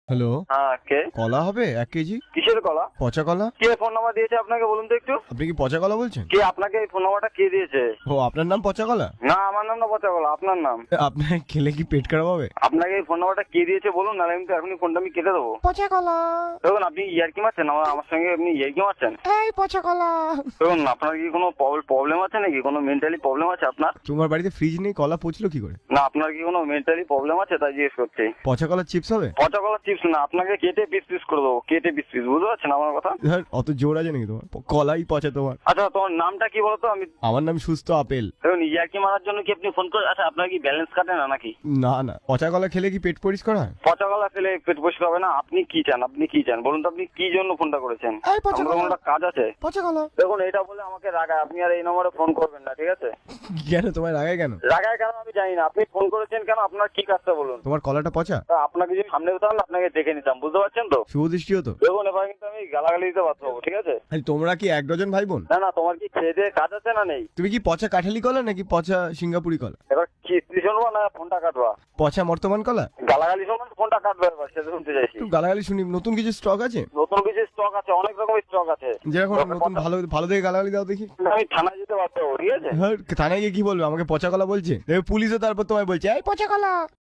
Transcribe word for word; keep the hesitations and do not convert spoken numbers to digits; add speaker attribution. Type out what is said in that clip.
Speaker 1: Hello,
Speaker 2: হ্যাঁ, কে?
Speaker 1: কলা হবে এক কেজি?
Speaker 2: কিসের কলা?
Speaker 1: পচা কলা?
Speaker 2: কে ফোন নাম্বার দিয়েছে আপনাকে বলুন তো একটু?
Speaker 1: আপনি কি পচা কলা বলছেন?
Speaker 2: কে আপনাকে এই ফোন নাম্বারটা কে দিয়েছে?
Speaker 1: ও, আপনার নাম পচা কলা?
Speaker 2: না, আমার নাম না পচা কলা, আপনার নাম।
Speaker 1: আপনার খেলে কি পেট খারাপ হবে?
Speaker 2: আপনাকে এই ফোন নাম্বারটা কে দিয়েছে বলুন, নাহলে আমি তো এখনই ফোনটা আমি কেটে দেবো।
Speaker 1: পচা কলা।
Speaker 2: দেখুন, আপনি ইয়ার্কি মারছেন আমার আমার সঙ্গে, আপনি ইয়ার্কি মারছেন।
Speaker 1: এই পচা কলা।
Speaker 2: দেখুন, আপনার কি কোনো প্রবলেম আছে নাকি? কোনো মেন্টালি প্রবলেম আছে আপনার?
Speaker 1: তোমার বাড়িতে ফ্রিজ নেই, কলা পচলো কি করে?
Speaker 2: না, আপনার কি কোনো মেন্টালি প্রবলেম আছে তাই জিজ্ঞেস করছি।
Speaker 1: পচা কলার চিপস হবে?
Speaker 2: পচা কলা চিপস না, আপনাকে কেটে পিস পিস করে দেবো, কেটে পিস পিস, বুঝতে পারছেন আমার কথা?
Speaker 1: ধর, অত জোর আছে নাকি তোমার? কলাই পচা তোমার।
Speaker 2: আচ্ছা, তোমার নামটা কি বলতো? আমি
Speaker 1: আমার নাম সুস্থ আপেল।
Speaker 2: দেখুন, ইয়ার্কি মারার জন্য কি আপনি ফোন করে? আচ্ছা, আপনার কি ব্যালেন্স কাটে না নাকি?
Speaker 1: না না, পচা কলা খেলে কি পেট পরিষ্কার হয়?
Speaker 2: পচা কলা খেলে পেট পরিষ্কার হবে না? আপনি কি চান? আপনি কি চান বলুন তো? আপনি কি জন্য ফোনটা করেছেন?
Speaker 1: এই পচা
Speaker 2: আমার
Speaker 1: কলা।
Speaker 2: কোনো একটা কাজ আছে।
Speaker 1: পচা কলা।
Speaker 2: দেখুন, এটা বলে আমাকে রাগায়, আপনি আর এই নম্বরে ফোন করবেন না, ঠিক আছে?
Speaker 1: কেন তোমায় রাগায় কেন?
Speaker 2: রাগায় কেন আমি জানি না, আপনি ফোন করেছেন কেন? আপনার কি কাজটা বলুন?
Speaker 1: তোমার কলাটা পচা?
Speaker 2: তা আপনাকে যদি সামনে হতাম না, আপনাকে দেখে নিতাম, বুঝতে পারছেন তো?
Speaker 1: শুভ দৃষ্টি হতো।
Speaker 2: দেখুন, এবার কিন্তু আমি গালাগালি দিতে বাধ্য হবো, ঠিক আছে?
Speaker 1: আরে তোমরা কি এক ডজন ভাই বোন?
Speaker 2: না না, তোমার কি খেয়ে দিয়ে কাজ আছে না নেই?
Speaker 1: তুমি কি পচা কাঠালি কলা নাকি পচা সিঙ্গাপুরি কলা?
Speaker 2: এবার কিস্তি শুনবো না ফোনটা কাটবা?
Speaker 1: পচা বর্তমান কলা?
Speaker 2: গালাগালি শুনবো না ফোনটা কাটবে, এবার সেটা শুনতে চাইছি।
Speaker 1: একটু গালাগালি শুনি। নতুন কিছু স্টক আছে?
Speaker 2: নতুন কিছু স্টক আছে, অনেক রকমের স্টক আছে।
Speaker 1: যেরকম নতুন ভালো ভালো দেখে গালাগালি দাও দেখি।
Speaker 2: আমি থানায় যেতে বাধ্য হবো, ঠিক আছে?
Speaker 1: হ্যাঁ, থানায় গিয়ে কি বলবে? আমাকে পচা কলা বলছে, দেখবে পুলিশও তারপর তোমায় বলছে এই পচা কলা।